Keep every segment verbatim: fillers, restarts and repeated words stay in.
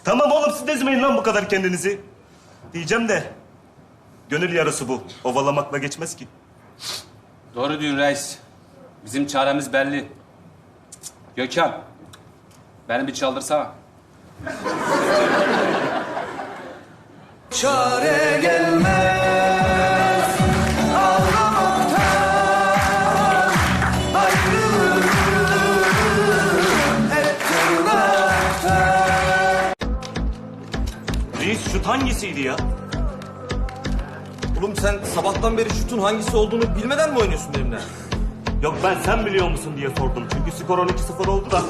Tamam oğlum, siz de ezmeyin lan bu kadar kendinizi. Diyeceğim de gönül yarısı bu. Ovalamakla geçmez ki. Doğru diyorsun reis. Bizim çaremiz belli. Gökhan, beni bir çaldırsana. Çare gelmez ağlamaktan, ayrılık hep tırnaktan. Reis, şut hangisiydi ya? Oğlum sen sabahtan beri şutun hangisi olduğunu bilmeden mi oynuyorsun benimle? Yok, ben sen biliyor musun diye sordum. Çünkü skor on iki sıfır oldu da.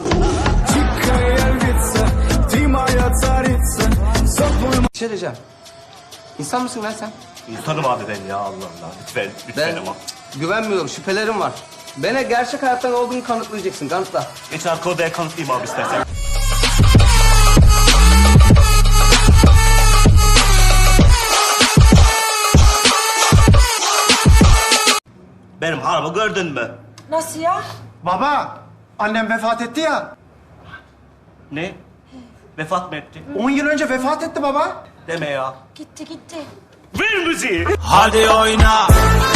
Bir şey diyeceğim. İnsan mısın lan sen? İnsanım abi ben ya, Allah Allah. Lütfen, lütfen Ben ama. güvenmiyorum, şüphelerim var. Bana gerçek hayattan olduğunu kanıtlayacaksın, kanıtla. Geç arka odaya kanıtlayayım abi istersen. Benim harbi gördün mü? Nasıl ya? Baba, annem vefat etti ya. Ne? Vefat mı etti? On yıl önce vefat etti baba. Deme ya. Gitti gitti. Ver müziği. Hadi oyna.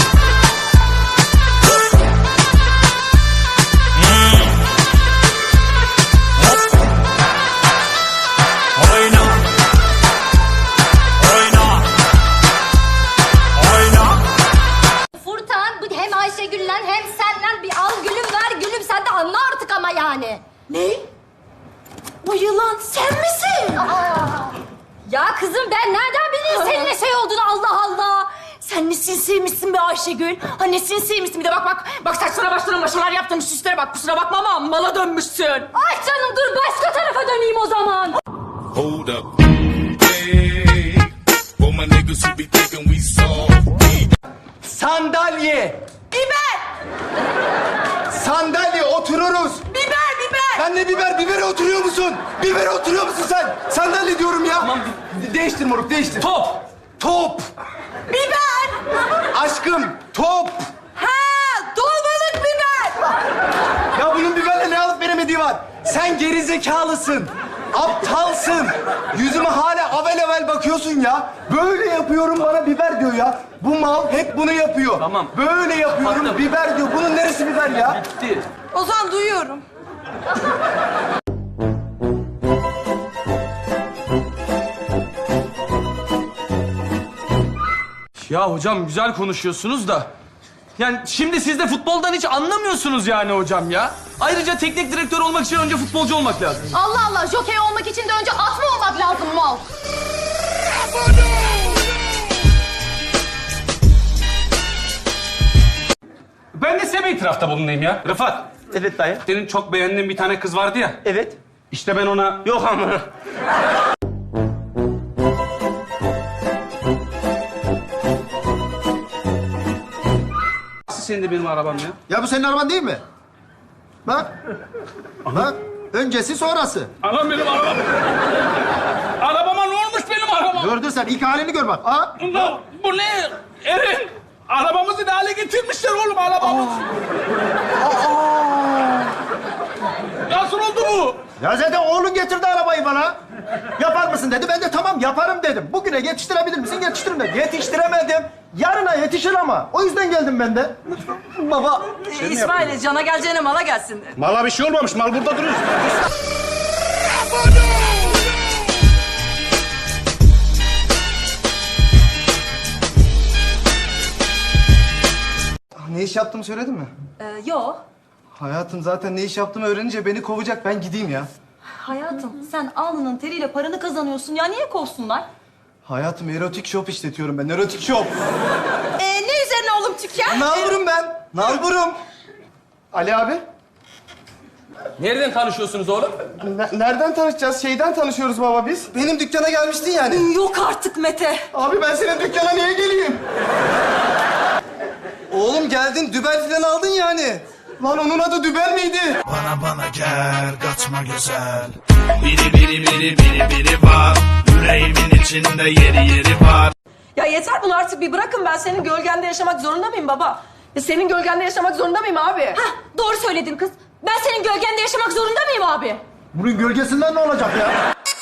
Oyna. Oyna. Oyna. Furkan, bu hem Ayşegül'le hem senden bir al gülüm ver gülüm, sen de anla artık ama yani. Ne? Bu yılan sen misin? Ya kızım, ben nereden bileyim senin ne şey olduğunu, Allah Allah. Sen ne sinsiymişsin be Ayşegül. Ha ne sinsiymişsin, bir de bak bak. Bak saçlara başlara maşalar yaptın, süslere bak. Kusura bakma ama mala dönmüşsün. Ay canım, dur başka tarafa döneyim o zaman. Hold up. Hey, for my niggas who be thinking we soft. Sandalye. Biber! Sandalye, otururuz. Biber, biber! Ben de biber, bibere oturuyor musun? Bibere oturuyor musun sen? Sandalye diyorum ya. Tamam, değiştir moruk, değiştir. Top! Top. Biber! Aşkım, top. Ha, dolmalık biber! Ya bunun biberle ne alıp veremediği var. Sen geri zekalısın. Aptalsın. Yüzüme hala avel avel bakıyorsun ya. Böyle yapıyorum, bana biber diyor ya. Bu mal hep bunu yapıyor. Tamam. Böyle yapıyorum, Kapattım. biber diyor. Bunun neresi biber ya? Bitti. Ozan duyuyorum. Ya hocam güzel konuşuyorsunuz da. Yani şimdi siz de futboldan hiç anlamıyorsunuz yani hocam ya. Ayrıca teknik direktör olmak için önce futbolcu olmak lazım. Allah Allah, jokey olmak için de önce at mı olmak lazım mal? Ben de size bir itirafta bulunayım ya. Rıfat, Evet dayı. senin çok beğendiğin bir tane kız vardı ya. Evet. İşte ben ona... Yok ama. Nasıl senin de benim arabam ya? Ya bu senin araban değil mi? Bak. Bak. Öncesi sonrası. Anam benim arabam. Arabama ne olmuş benim arabam? Gördün sen. İlk halini gör bak. Aa. Bu, bu ne? Erin, arabamızı ne hale getirmişler oğlum arabamızı. Nasıl oldu bu? Ya zaten oğlun getirdi arabayı bana. Yapar mısın dedi. Ben de tamam yaparım dedim. Bugüne yetiştirebilir misin? Yetiştiririm dedim. Yetiştiremedim. Yarına yetişir ama. O yüzden geldim ben de. Baba, İsmail, cana geleceğine mala gelsin. Mala bir şey olmamış. Mal burada duruyor. Ne iş yaptığımı söyledin mi? Ee, yo. Hayatım zaten ne iş yaptığımı öğrenince beni kovacak. Ben gideyim ya. Hayatım, sen alnının teriyle paranı kazanıyorsun ya, niye kovsunlar? Hayatım erotik shop işletiyorum ben. Erotik shop. Ee, ne üzerine oğlum tüken? Nalburum ben. Nalburum. Ali abi. Nereden tanışıyorsunuz oğlum? ne- nereden tanışacağız? Şeyden tanışıyoruz baba biz. Benim dükkana gelmiştin yani. Yok artık Mete. Abi ben senin dükkana niye geleyim? Oğlum geldin, dübel falan aldın yani. Lan onun adı dübel miydi? Bana bana gel kaçma güzel. Biri biri biri biri biri var. Yüreğimin içinde yeri yeri var. Ya yeter, bunu artık bir bırakın. Ben senin gölgende yaşamak zorunda mıyım baba? Ya senin gölgende yaşamak zorunda mıyım abi? Hah, doğru söyledin kız. Ben senin gölgende yaşamak zorunda mıyım abi? Bunun gölgesinden ne olacak ya?